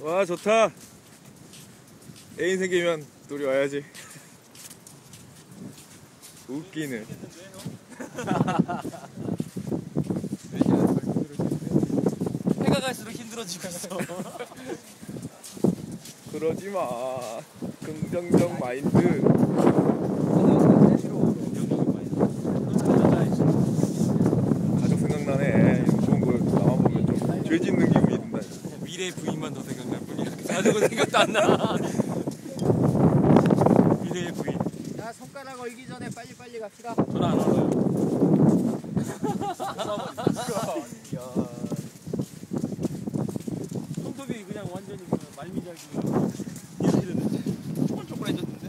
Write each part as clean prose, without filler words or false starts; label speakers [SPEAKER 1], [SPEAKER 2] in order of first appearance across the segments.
[SPEAKER 1] 와 좋다. 애인 생기면 둘이 와야지. 웃기네.
[SPEAKER 2] 해가 갈수록 힘들어지고 있어.
[SPEAKER 1] 그러지마. 긍정적 마인드. 가족 생각나네. 좋은 거 나만 보면 좀 죄 짓는 기분이 든다.
[SPEAKER 2] 미래 부인만 더 생각날 뿐이야. 가족은 생각도 안 나. 미래의 부인.
[SPEAKER 3] 야, 손가락 얼기 전에 빨리빨리 갑시다.
[SPEAKER 2] 저는 안 얼어요. 손톱이 그냥 완전히 말미잘기. 초콜초콜해졌는데.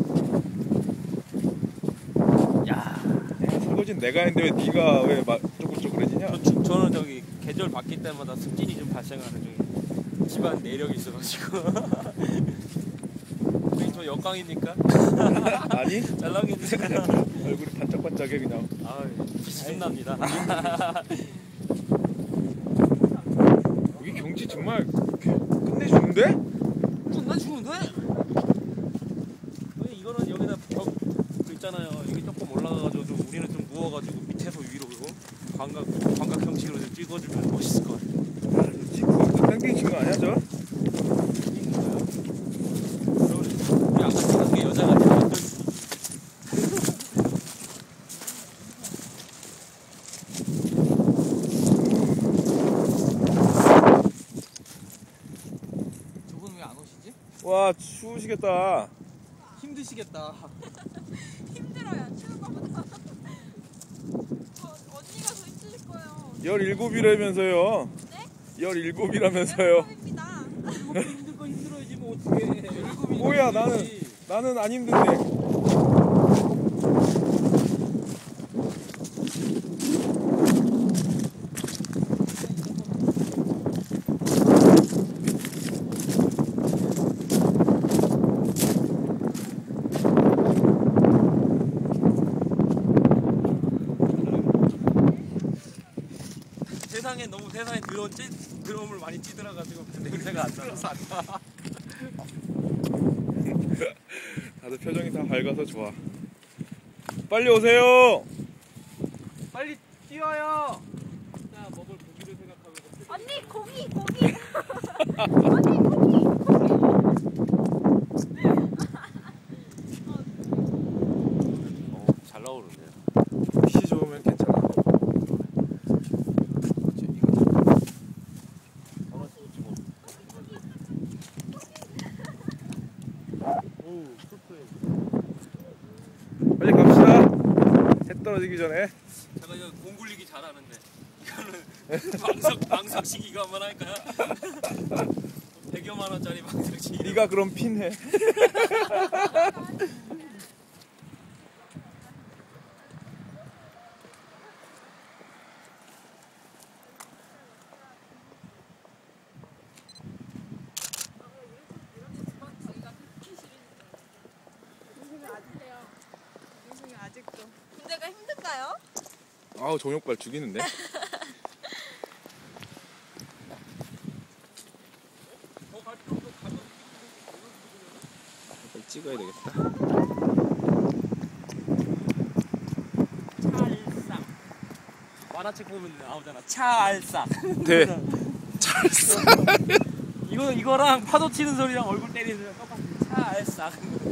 [SPEAKER 2] 야.
[SPEAKER 1] 설거지는 내가 했는데 왜 네가 왜 쪼글쪼글해지냐?
[SPEAKER 2] 저는 저기 계절 바뀔 때마다 습진이 좀 발생하는 중에 집안 내력이 있어가지고. 우리 저 역광입니까?
[SPEAKER 1] 아니?
[SPEAKER 2] 짤랑이니까.
[SPEAKER 1] 얼굴이 반짝반짝해 그냥.
[SPEAKER 2] 아, 기분 납니다.
[SPEAKER 1] 여기 경치 정말 끝내주는데?
[SPEAKER 2] 정말 좋은데? 이거는 여기다 벽 있잖아요. 여기 조금 올라가가지고 좀 우리는 좀 누워가지고 밑에서 위로 광각 형식으로 좀 찍어주면 멋있을 것 같아요.
[SPEAKER 1] 지금 땡땡이 친거 아니야 저?
[SPEAKER 2] 우리 아까 찍은 게 여자 같은 거. 저분 왜 안 오시지?
[SPEAKER 1] 와 추우시겠다.
[SPEAKER 2] 힘드시겠다.
[SPEAKER 4] 힘들어요. 추운 거보다. 언니가 더 힘드실 거예요.
[SPEAKER 1] 17이라면서요.
[SPEAKER 4] 네?
[SPEAKER 1] 17이라면서요.
[SPEAKER 4] 입니다.
[SPEAKER 2] 힘들 거 힘들어야지 뭐 어떻게.
[SPEAKER 1] 뭐야 나는 안 힘든데.
[SPEAKER 2] 세상에 드럼을 많이 찌들어가지고 냄새가 안 나서 안 나.
[SPEAKER 1] 다들 표정이 다 밝아서 좋아. 빨리 오세요.
[SPEAKER 2] 빨리 뛰어요. 자, 먹을 고기를 생각하면서.
[SPEAKER 4] 언니 고기. 언니 고기.
[SPEAKER 2] 잘 나오는데.
[SPEAKER 1] 시 좋으면 괜찮아. 빨리 갑시다. 해 떨어지기 전에.
[SPEAKER 2] 제가 이거 공 굴리기 잘하는데 이거는 방석식 이거 한번 할까요? 100여만 원짜리 방석식.
[SPEAKER 1] 네가 그럼 핀해.
[SPEAKER 4] 아직도. 군대가 힘든가요?
[SPEAKER 1] 아우 종욕발 죽이는데. 빨리 찍어야 되겠다.
[SPEAKER 2] 찰싹. 만화책 보면 나오잖아. 찰싹.
[SPEAKER 1] 네. 찰싹.
[SPEAKER 2] 이거랑 파도 치는 소리랑 얼굴 때리는 소리랑 똑같아. 찰싹.